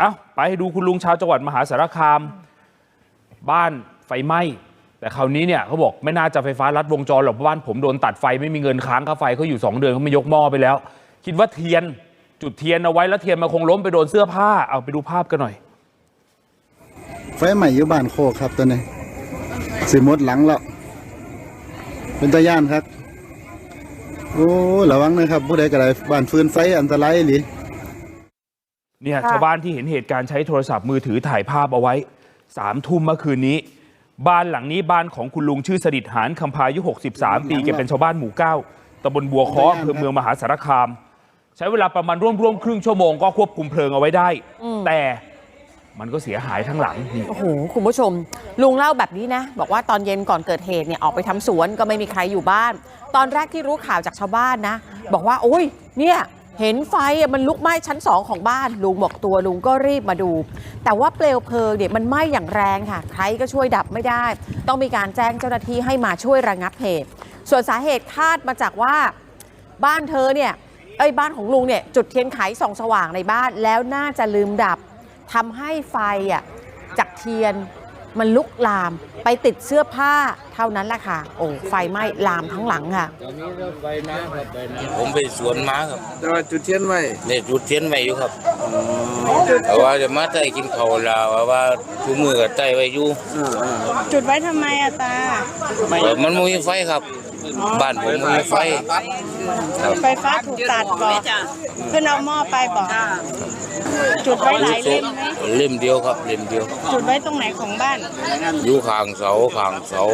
ไปให้ดูคุณลุงชาวจังหวัดมหาสารคามบ้านไฟไหม้แต่คราวนี้เนี่ยเขาบอกไม่น่าจะไฟฟ้าลัดวงจรหรอกเพราะบ้านผมโดนตัดไฟไม่มีเงินค้างค่าไฟเขาอยู่2 เดือนเขาไม่ยกหม้อไปแล้วคิดว่าเทียนจุดเทียนเอาไว้แล้วเทียนมาคงล้มไปโดนเสื้อผ้าเอาไปดูภาพกันหน่อยไฟใหม่อยู่บ้านโคกครับตัวนี้สิมดหลังแล้วเป็นตาย่านครับโอ้ระวังนะครับผู้ใดก็ได้บ้านฟืนไฟอันตรายหรือเนี่ยชาวบ้านที่เห็นเหตุการณ์ใช้โทรศัพท์มือถือถ่ายภาพเอาไว้3 ทุ่มเมื่อคืนนี้บ้านหลังนี้บ้านของคุณลุงชื่อสดิษฐ์หานคำพายุ63 ปีแกเป็นชาวบ้านหมู่9ตำบลบัวค้ออำเภอเมืองมหาสารคามใช้เวลาประมาณร่วมครึ่งชั่วโมงก็ควบคุมเพลิงเอาไว้ได้แต่มันก็เสียหายทั้งหลังนี่โอ้โหคุณผู้ชมลุงเล่าแบบนี้นะบอกว่าตอนเย็นก่อนเกิดเหตุเนี่ยออกไปทำสวนก็ไม่มีใครอยู่บ้านตอนแรกที่รู้ข่าวจากชาวบ้านนะบอกว่าโอ้ยเนี่ยเห็นไฟมันลุกไหม้ชั้น2ของบ้านลุงบอกตัวลุงก็รีบมาดูแต่ว่าเปลวเพลิงเนี่ยมันไหม้อย่างแรงค่ะใครก็ช่วยดับไม่ได้ต้องมีการแจ้งเจ้าหน้าที่ให้มาช่วยระงับเหตุส่วนสาเหตุคาดมาจากว่าบ้านเธอเนี่ยบ้านของลุงเนี่ยจุดเทียนไขส่องสว่างในบ้านแล้วน่าจะลืมดับทำให้ไฟจากเทียนมันลุกลามไปติดเสื้อผ้าเท่านั้นแหละค่ะโอ้ไฟไหม้ลามทั้งหลังค่ะตอนนี้ก็ไฟน้ำครับผมไปสวนม้าครับแต่ว่าจุดเทียนไว้เนี่ยจุดเทียนไว้อยู่ครับแต่ว่าจะมาใต้กินข้าวลาวว่าทุกมือก็ใต้ไว้อยู่จุดไว้ทำไมอะตามันไม่มีไฟครับบ้านผมไม่มีไฟไฟฟ้าถูกตัดบอกเพื่อนเอาหม้อไปบอกจุดไว้หลายเล่มไหมเล่มเดียวครับเล่มเดียวจุดไว้ตรงไหนของบ้านอยู่ข้างเสาข้างเสา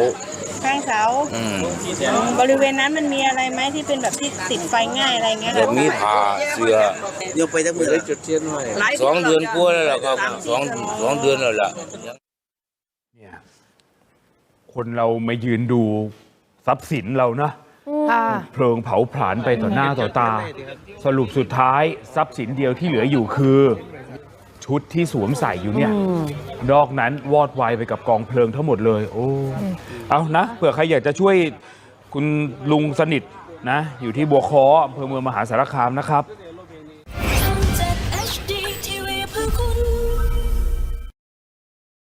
บริเวณนั้นมันมีอะไรไหมที่เป็นแบบที่ติดไฟง่ายอะไรเงี้ยจะมีผ้าเสื้อเดี๋ยวไปทั้งมือได้จุดเทียนไว้ 2 เดือนกว่าแล้วล่ะครับ2 เดือนแล้วล่ะเนี่ยคนเรามายืนดูทรัพย์สินเรานะเพลิงเผาผลาญไปต่อหน้าต่อตาสรุปสุดท้ายทรัพย์สินเดียวที่เหลืออยู่คือชุดที่สวมใส่อยู่เนี่ยนอกนั้นวอดวายไปกับกองเพลิงทั้งหมดเลยโอ้เอานะเผื่อใครอยากจะช่วยคุณลุงสนิทนะอยู่ที่บัวค้ออำเภอเมืองมหาสารคามนะครับ